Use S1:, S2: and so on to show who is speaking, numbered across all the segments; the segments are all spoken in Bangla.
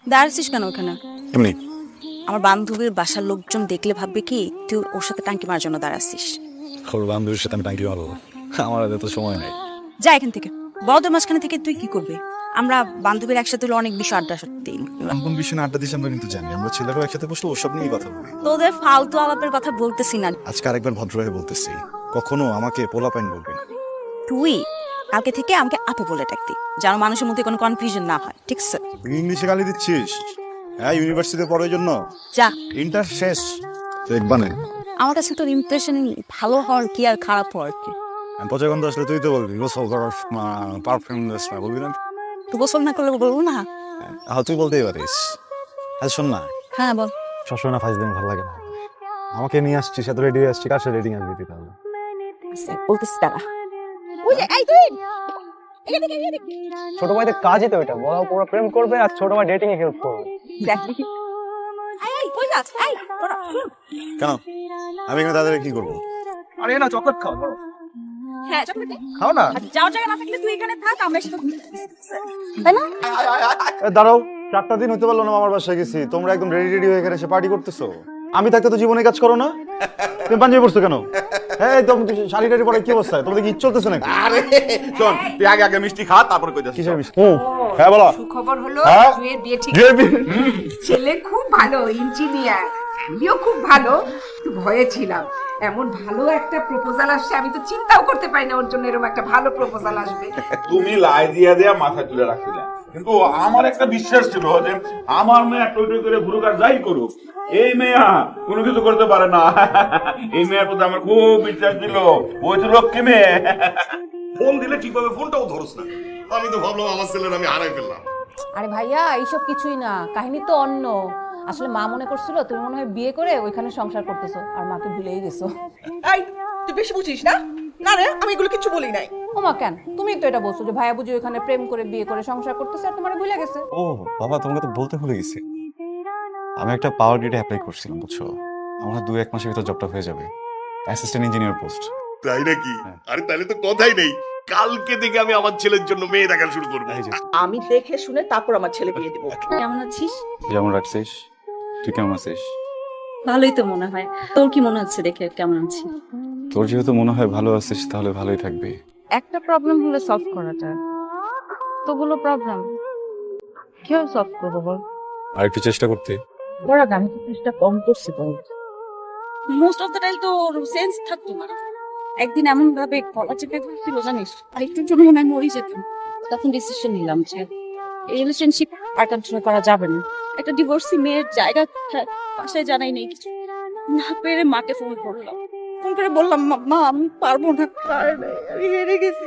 S1: দাঁড়াচ্ছিস কেন ওখানে?
S2: এমনি।
S1: আমার বান্ধবীর বাসার লোকজন দেখলে ভাববে কি তুই ওর সাথে টাঙ্কি মারার জন্য দাঁড়াচ্ছিস।
S2: ওর বান্ধবীর সাথে আমি টাঙ্কি মারবো? আমার হাতে তো সময় নেই।
S1: যা এখান থেকে। বড়দের মাঝখানে থেকে তুই কি করবি? আমরা বান্ধবীর একসাথে হলে অনেক বিষয় আড্ডা দিই।
S2: কোন বিষয়ে আড্ডা দিচ্ছি আমরা কিন্তু জানি। আমরা ছেলেরাও একসাথে বসলে ওসব নিয়েই কথা বলি।
S1: তোদের ফালতু আলাপের কথা বলতেছি না।
S2: আজকে আরেকবার ভদ্রভাবে বলতেছি, কখনো আমাকে পোলাপাইন বলবে না।
S1: তুই কালকে থেকে আমাকে আপু বলে ডাকতি, যেন মানুষের মধ্যে কোনো কনফিউশন না হয়, ঠিক আছে?
S2: তুই ইংলিশে গালি দিচ্ছিস? হ্যাঁ, ইউনিভার্সিটিতে পড়ার জন্য।
S1: যা।
S2: ইন্টার শেষ দেখবানে।
S1: আমার কাছে তোর ইমপ্রেশন ভালো হওয়ার কি আর খারাপ হওয়ার কি?
S2: পচা গন্ধ আসলে তুই তো বলবি গোসল করার পারফিউম বলবি না?
S1: তুই গোসল না করলে বলবো না?
S2: হ্যাঁ, তুই বলতেই পারিস। আচ্ছা শোন না,
S1: হ্যাঁ বল।
S2: সবসময় না ফাইজ দিন ভালো লাগে না। আমাকে নিয়ে আসছিস, এত রেডি হয়ে আসছি, কার সাথে রেডিং আসবি তাহলে?
S1: বলতেছি তারা। ওই যে এই তুই
S3: ছোট ভাইদের কাজই তো এটা, বড় পুরো প্রেম করবে আর ছোট ভাই ডেটিং এ হেল্প করবে।
S1: দেখ দেখি। এই কই যাস? এই তোরা শুন।
S2: কেন আমি এখানে তাদের কি করবো?
S3: আরে না, চকলেট খাও বড়।
S1: হ্যাঁ চকলেট দে।
S3: খাও না।
S1: আর যাওয়ার জায়গা না থাকলে তুই এখানে থাক, আমরা একসাথে ঘুরতে যাচ্ছি। তাই না?
S2: দাঁড়াও, 4টা দিন হতে পারলো না মামার বাসায় গেছি, তোমরা একদম রেডি রেডি হয়ে এখানে এসে পার্টি করতেছো। আমি থাকতে তো জীবনে কাজ করো না। তুমি পাঞ্জাবি পড়ছো কেন? হ্যাঁ একদম শাড়ি টাড়ি পরে কি অবস্থা? তোমাদের কি ইচ্ছে চলতেছে নাকি?
S4: আরে শোন, তুই আগে আগে মিষ্টি খা, তারপরে কই যাস।
S2: কিসের মিষ্টি? হ্যাঁ বলো।
S5: সুখবর হলো
S2: হ্যাঁ?
S5: জুয়ের বিয়ে ঠিক।
S2: বিয়ে বিয়ে।
S5: ছেলে খুব ভালো ইঞ্জিনিয়ার, আমিও খুব ভালো। একটু ভয়ে ছিলাম, এমন ভালো একটা প্রপোজাল আসছে, আমি তো চিন্তাও করতে পারি না ওর জন্য এরকম একটা ভালো প্রপোজাল আসবে।
S4: তুমি লাই দিয়া দিয়া মাথা তুলে রাখছিলে, কিন্তু আমার একটা বিশ্বাস ছিল যে আমার মেয়ে টই টই করে ঘুরুক আর যাই করুক, এই মেয়া কোনো কিছু করতে পারে না। এই মেয়ের প্রতি আমার খুব বিশ্বাস ছিল, ওই তো লক্ষ্মী মেয়ে। ফোন দিলে ঠিকভাবে ফোনটাও ধরস না।
S6: আমি তো ভাবলাম আমার ছেলের আমি হারাই ফেললাম।
S7: আরে ভাইয়া, এইসব কিছুই না, কাহিনী তো অন্য। আসলে মা মনে করছিল তুমি মনে হয় বিয়ে করে ওইখানে সংসার করতেছো আর মাকে ভুলেই গেছো।
S8: এই তুই বেশি বুঝিস না? না রে, আমি এগুলো কিছু বলি নাই।
S7: ও মা, কেন? তুমি তো এটা বলছো যে ভাইয়া বুঝি ওইখানে প্রেম করে বিয়ে করে সংসার করতেছে আর তোমার ভুলে গেছে।
S2: ও বাবা, তোমাকে তো বলতে ভুলে গেছি। আমি একটা পাওয়ার গ্রিডে অ্যাপ্লাই করছিলাম, বুঝছো? আমার 2-1 মাসের ভিতর জবটা হয়ে যাবে, অ্যাসিস্ট্যান্ট ইঞ্জিনিয়ার পোস্ট।
S6: তাই নাকি? আরে তাহলে তো কথাই নেই, কালকে থেকে আমি আমার ছেলের জন্য মেয়ে দেখা শুরু করবো।
S8: আমি দেখে শুনে তারপর আমার ছেলে বিয়ে দেবো।
S1: কেমন আছিস?
S2: যেমন রাখছিস। তুই কেমন আছিস?
S1: ভালোই তো মনে হয়। তোর কি মনে হচ্ছে দেখে কেমন আছিস?
S2: তোর যেহেতু মনে হয় ভালো আছিস, তাহলে ভালোই থাকবি।
S7: একটা প্রবলেম হলে সলভ করা যায়, তোগুলো প্রবলেম কিভাবে সলভ করবো বল?
S2: আর একটু চেষ্টা করতে।
S7: বড় আমি তো চেষ্টা কম করছি বল।
S1: মোস্ট অফ দ্য টাইম তো সেন্স থাকতো না। একদিন এমন ভাবে গলা চেপে ধরছিল জানিস, আর একটুর জন্য মনে হয় মরে যেতাম। তখন ডিসিশন নিলাম যে এই রিলেশনশিপ আর কন্টিনিউ করা যাবে না। একটা ডিভোর্সি মেয়ের জায়গা বাসায় জানাই নেই কিছু, না পেরে মাকে ফোন করলাম। ফোন করে বললাম, মা আমি পারবো না, আমি হেরে গেছি।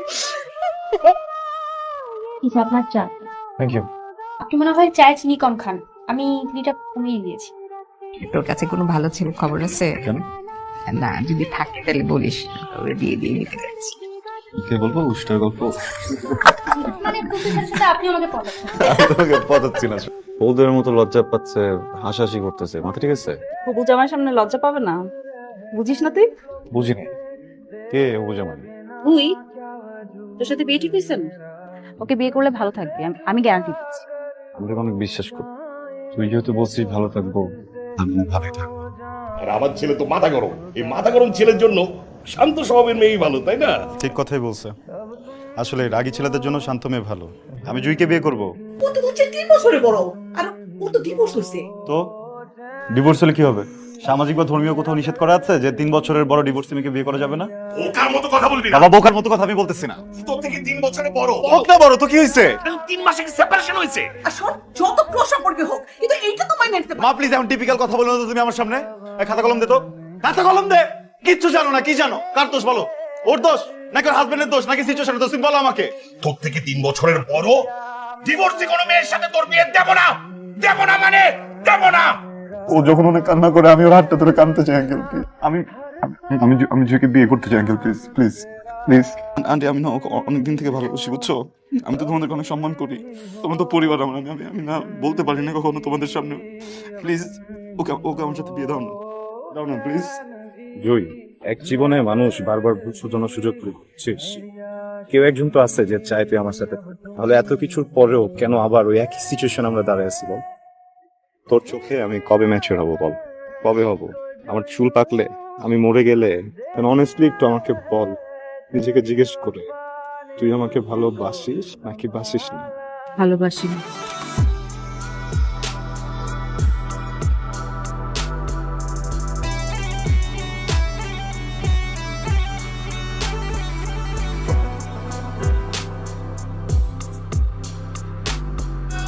S9: আপনার চা।
S2: Thank you.
S9: আপনি মনে হয় চায়ে চিনি কম খান, আমি চিনিটা কমিয়ে দিয়েছি।
S5: তোর কাছে কোনো ভালো ছেলে খবর আছে?
S2: কেন?
S5: না, যদি থাকে তাহলে বলিস, ওরে বিয়ে দিয়ে দিতে যাচ্ছি।
S2: কে বলবো? উষ্টার গল্প।
S9: মানে প্রফেসরের সাথে আপনি আমাকে পড়াচ্ছেন।
S2: তোকে পটাচ্ছি না। বলদের মতো লজ্জা পাচ্ছে, হাসাহাসি করতেছে, মাথা ঠিক আছে?
S1: হবু জামার সামনে লজ্জা পাবে না, বুঝিস না তুই?
S2: বুঝিনি। কে ও জামাই?
S1: তুই তোর সাথে বিয়ে ঠিক হয়েছে না? ওকে বিয়ে করলে ভালো থাকবি, আমি গ্যারান্টি দিচ্ছি।
S2: আমি তোকে অনেক বিশ্বাস করি। তুই যেহেতু বলছিস ভালো থাকবো, আমি ভালোই থাকবো।
S6: আর আমার ছেলে তো মাথা গরম, এই মাথা গরম ছেলের জন্য শান্ত স্বভাবের মেয়েই ভালো, তাই না?
S2: ঠিক কথাই বলছে। আসলে রাগী ছেলেদের জন্য শান্ত মেয়ে ভালো। আমি জুইকে বিয়ে করব।
S8: ও তো হচ্ছে 3 বছরে বড়, আর ও তো ডিভোর্স হয়েছে।
S2: তো ডিভোর্স হলে কি হবে? সামাজিক বা ধর্মীয় কোথাও নিষেধ করা আছে যে 3 বছরের বড় ডিভোর্স মেয়েকে বিয়ে করা যাবে না?
S6: ওকার মতো কথা বলবি না।
S2: বাবা, বোকার মতো কথা আমি বলতেছি না।
S6: তোর থেকে 3 বছরে বড়।
S2: ওক না বড় তো কি হয়েছে?
S6: 3 মাসে সেপারেশন হয়েছে।
S8: আর শোন, যত ক্লোজ সম্পর্কে হোক, কিন্তু এইটা তো মাইনে নিতে
S2: মা প্লিজ, এমন টিপিক্যাল কথা বলো না তো তুমি আমার সামনে। এই খাতা কলম দে তো, খাতা কলম দে। কিচ্ছু জানো না, কি জানো? কার দোষ বলো? ওর দোষ নাকি ওর হাজবেন্ডের দোষ নাকি সিচুয়েশনের দোষ? তুমি বলো আমাকে।
S6: তোর থেকে 3 বছরের বড় ডিভোর্সি কোনো মেয়ের সাথে তোর বিয়ে দেব না, দেব না মানে দেব না।
S2: ও যখন অনেক কান্না করে আমি ওর হাতটা ধরে কাঁদতে চাই আঙ্কেল। আমি আমি আমি জুকে বিয়ে করতে চাই uncle, please please please. Aunty আমি না ওকে অনেকদিন থেকে ভালোবাসি, বুঝছো? আমি তো তোমাদেরকে অনেক সম্মান করি, তোমার তো পরিবার আমার। আমি আমি না বলতে পারি না কখনো তোমাদের সামনে। প্লিজ ওকে ওকে আমার সাথে বিয়ে দাও না, দাও না প্লিজ।
S3: জয়, এক জীবনে মানুষ বারবার ভুল শুধরানোর সুযোগ পেয়েছিস। কেউ একজন তো আছে যে চাই তুই আমার সাথে, তাহলে এত কিছুর পরেও কেন আবার ওই একই সিচুয়েশন আমরা দাঁড়ায় আছি বল? তোর চোখে আমি কবে ম্যাচিওর হব বল, কবে হব? আমার চুল পাকলে, আমি মরে গেলে, অনেস্টলি একটু আমাকে বল, নিজেকে জিজ্ঞেস করে তুই আমাকে ভালোবাসিস নাকি বাসিস না?
S1: ভালোবাসি।